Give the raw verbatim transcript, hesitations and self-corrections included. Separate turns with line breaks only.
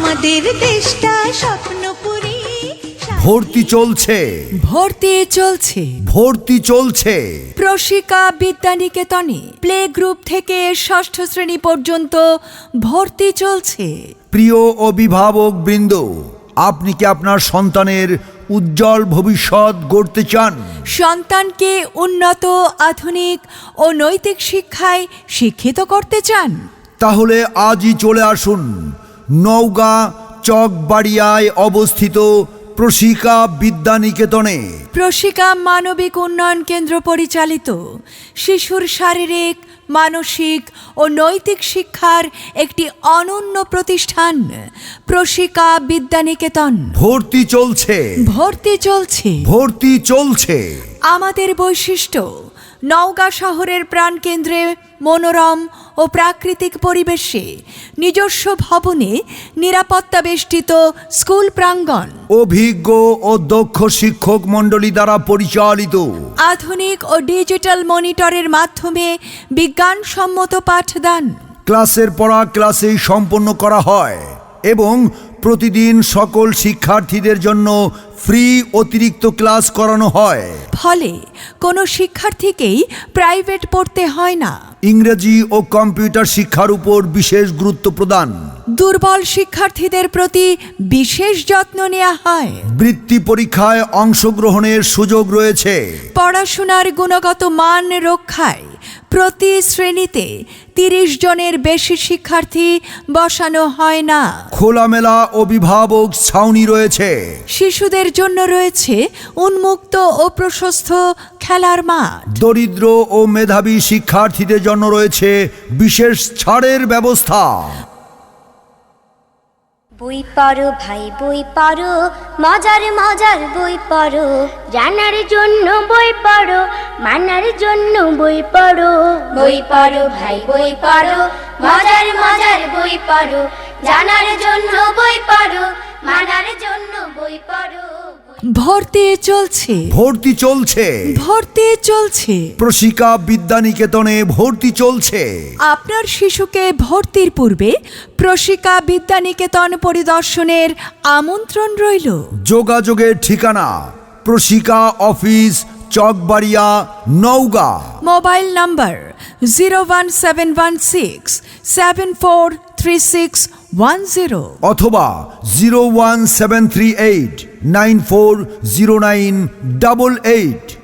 আমাদের দেশটা স্বপ্নপুরী।
ভর্তি চলছে
ভর্তি চলছে
ভর্তি চলছে
প্রশিকা বিদ্যানিকেতনে প্লে গ্রুপ থেকে ষষ্ঠ শ্রেণী পর্যন্ত ভর্তি চলছে।
প্রিয় অভিভাবক বৃন্দ, আপনি কি আপনার সন্তানের উজ্জ্বল ভবিষ্যৎ গড়তে চান?
সন্তানকে উন্নত, আধুনিক ও নৈতিক শিক্ষায় শিক্ষিত করতে চান?
তাহলে আজই চলে আসুন নওগাঁ চকবাড়িয়ায় অবস্থিত প্রশিকা বিদ্যানিকেতনে।
প্রশিকা মানবিক উন্নয়ন কেন্দ্র পরিচালিত শিশুর শারীরিক, মানসিক ও নৈতিক শিক্ষার একটি অনন্য প্রতিষ্ঠান প্রশিকা বিদ্যানিকেতন।
ভর্তি চলছে
ভর্তি চলছে
ভর্তি চলছে
আমাদের বৈশিষ্ট্য: নওগাঁ শহরের প্রাণকেন্দ্রে মনোরম ও প্রাকৃতিক পরিবেশে নিজস্ব ভবনে নিরাপত্তা বেষ্টিত স্কুল প্রাঙ্গণ,
অভিজ্ঞ ও দক্ষ শিক্ষক মণ্ডলী দ্বারা পরিচালিত,
আধুনিক ও ডিজিটাল মনিটরের মাধ্যমে বিজ্ঞানসম্মত পাঠদান,
ক্লাসের পড়া ক্লাসেই সম্পন্ন করা হয় এবং প্রতিদিন সকল শিক্ষার্থীদের জন্য ফ্রি অতিরিক্ত ক্লাস করানো হয়।
ফলে কোনো শিক্ষার্থীকেই প্রাইভেট পড়তে হয় না।
ইংরেজি ও কম্পিউটার শিক্ষার উপর বিশেষ গুরুত্ব প্রদান।
দুর্বল শিক্ষার্থীদের প্রতি বিশেষ যত্ন নেওয়া হয়।
বৃত্তি পরীক্ষায় অংশগ্রহণের সুযোগ রয়েছে।
পড়াশোনার গুণগত মান রক্ষায় প্রতি শ্রেণীতে তিরিশ জনের বেশি শিক্ষার্থী বসানো হয় না।
খোলামেলা অভিভাবক ছাউনি রয়েছে।
শিশুদের জন্য রয়েছে উন্মুক্ত ও প্রশস্ত খেলার মাঠ।
দরিদ্র ও মেধাবী শিক্ষার্থীদের জন্য রয়েছে বিশেষ ছাড়ের ব্যবস্থা।
বই পড়ো ভাই বই পড়ো, মজার মজার বই পড়ো, জানার জন্য বই পড়ো, মানার জন্য বই পড়ো। বই পড়ো ভাই বই পড়ো, মজার মজার বই পড়ো, জানার জন্য বই পড়ো, মানার জন্য বই পড়ো।
ভর্তি চলছে
ভর্তি চলছে
ভর্তি চলছে
প্রশিকা বিদ্যানিকেতনে ভর্তি চলছে।
আপনার শিশুকে ভর্তির পূর্বে প্রশিকা বিদ্যানিকেতন পরিদর্শনের আমন্ত্রণ রইল।
যোগাযোগের ঠিকানা Proshika office, Chakbaria, Naogaon.
Mobile number zero one seven one six seven four three six one zero
অথবা zero one seven three eight nine four zero nine double eight.